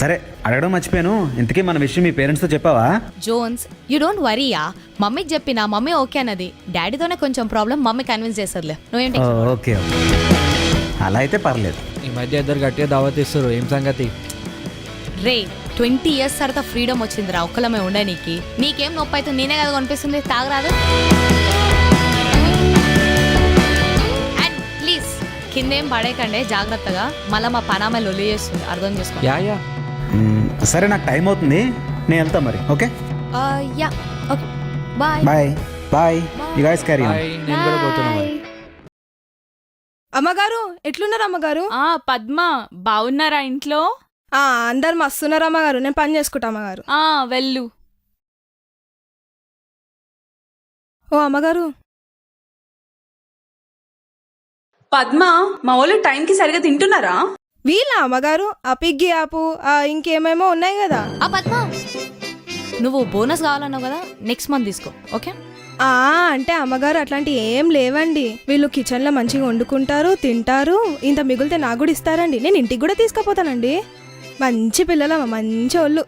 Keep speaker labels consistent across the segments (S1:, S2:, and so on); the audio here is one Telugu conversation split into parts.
S1: సరే అడగడం మర్చిపోయాను, ఇంతకీ మన విషయం మీ పేరెంట్స్తో చెప్పావా?
S2: జోన్స్ యూ డోంట్ వరీయా, మమ్మీకి చెప్పినా మమ్మీ ఓకే అన్నది. డాడీతోనే కొంచెం ప్రాబ్లం, మమ్మీ కన్విన్స్ చేస్తుందిలే, నువ్వేంటి?
S1: ఓకే అలా అయితే పర్లేదు.
S3: ఈ మధ్య ఇద్దరు గట్టిగా దావత్ ఇస్తారు, ఏం సంగతి?
S2: రే 20 years తర్వాత ఫ్రీడమ్ వచ్చిందిరా ఒక్కలమే ఉండనీకి. నీకేం నొప్పి అయితే నేనే కదా కనిపిస్తుంది, తాగరాదు. అండ్ ప్లీజ్ కిందేం పడేయకండి జాగ్రత్తగా, మళ్ళీ మా పనామే లొల్లి చేస్తుంది, అర్థం చేసుకో.
S3: యా
S1: సరే నాకు టైం అవుతుంది, నేను వెళ్తా మరి. Okay
S2: ya okay bye.
S1: Bye bye, you guys carry on.
S3: నేను కూడా పోతున్నా మరి.
S4: అమ్మగారు ఎట్లున్నారు అమ్మగారు?
S5: పద్మ బాగున్నారా ఇంట్లో?
S4: అందరు మస్తున్నారు అమ్మగారు, నేను పని చేసుకుంటా అమ్మగారు.
S5: వెళ్ళు.
S4: ఓ అమ్మగారు,
S6: పద్మ మా వాళ్ళు టైంకి సరిగా తింటున్నారా?
S4: వీళ్ళ అమ్మగారు ఆ పిగ్గి ఆపు ఇంకేమేమో ఉన్నాయి కదా.
S2: పద్మ నువ్వు బోనస్ కావాలన్నావు కదా, నెక్స్ట్ మంత్ తీసుకో ఓకే?
S4: అంటే అమ్మగారు అట్లాంటి ఏం లేవండి. వీళ్ళు కిచెన్ లో మంచిగా వండుకుంటారు, తింటారు, ఇంత మిగిలితే నాకు కూడా ఇస్తారండి. నేను ఇంటికి కూడా తీసుకుపోతానండి. మంచి పిల్లలమ్మ, మంచి వాళ్ళు.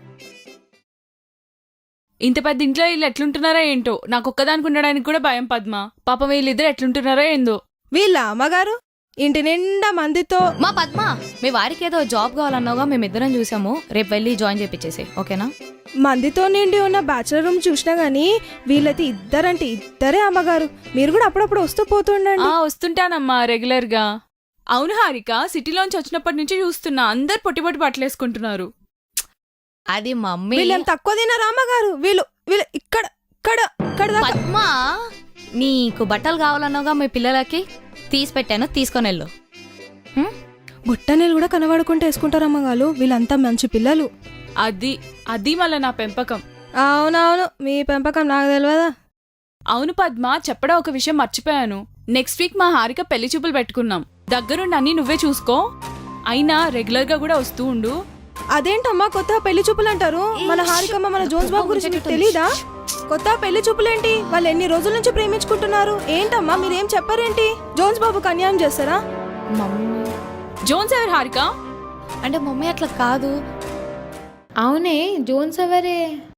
S5: ఇంత పెద్ద ఇంట్లో వీళ్ళు ఎట్లుంటున్నారో ఏంటో, నాకు ఒక్కదానికి ఉండడానికి కూడా భయం పద్మ. పాపం వీళ్ళిద్దరు ఎట్లుంటున్నారో ఏందో.
S4: వీళ్ళ అమ్మగారు ఇంటి నిండా మందితో.
S2: మా పద్మ మీ వారికి ఏదో జాబ్ కావాలన్నావుగా, మేమిద్దరం చూసాము, రేపు వెళ్ళి జాయిన్ చేపించేసి ఓకేనా?
S4: మందితో నిండి ఉన్న బ్యాచులర్ రూమ్ చూసినా గానీ వీళ్ళైతే ఇద్దరంటే ఇద్దరే అమ్మగారు. మీరు కూడా అప్పుడప్పుడు వస్తూ పోతుండండి.
S5: వస్తుంటానమ్మా రెగ్యులర్ గా. అవును హారిక, సిటీలోంచి వచ్చినప్పటి నుంచి చూస్తున్నా అందరు పొట్టి పొట్టి బట్టలేసుకుంటున్నారు.
S2: అది మమ్మీ.
S4: వీళ్ళేం తక్కువ తినరా అమ్మగారు? వీళ్ళు వీళ్ళు ఇక్కడ ఇక్కడ ఇక్కడ దాకా.
S2: పద్మ నీకు బట్టలు కావాలన్నావుగా మీ పిల్లలకి, తీసి పెట్టాను, తీసుకొని వెళ్ళు.
S4: బుట్టనీళ్ళు కూడా కనబడుకుంటూ వేసుకుంటారు అమ్మగారు. వీళ్ళంతా మంచి పిల్లలు.
S5: అది మళ్ళీ నా పెంపకం.
S4: అవునవును, మీ పెంపకం నాకు తెలియదా?
S5: అవును పద్మ, చెప్పడం ఒక విషయం మర్చిపోయాను. నెక్స్ట్ వీక్ మా హారిక పెళ్లి చూపులు పెట్టుకున్నాం. దగ్గరుండి అన్ని నువ్వే చూసుకో, అయినా రెగ్యులర్ గా కూడా వస్తూ ఉండు.
S4: అదేంటమ్మా కొత్త పెళ్లి చూపులు అంటారు? మన హారికమ్మ మన జోన్స్ బాబు గురించి మీకు తెలీదా? కొత్త పెళ్లి చూపులేంటి? వాళ్ళు ఎన్ని రోజుల నుంచి ప్రేమించుకుంటున్నారు. ఏంటమ్మా మీరేం చెప్పారేంటి? జోన్స్ బాబుకి అన్యాయం చేస్తారా?
S2: మమ్మీ
S5: జోన్స్ ఎవరు హారిక?
S2: అంటే మమ్మీ అట్లా కాదు.
S7: అవునే జోన్స్ ఎవరే?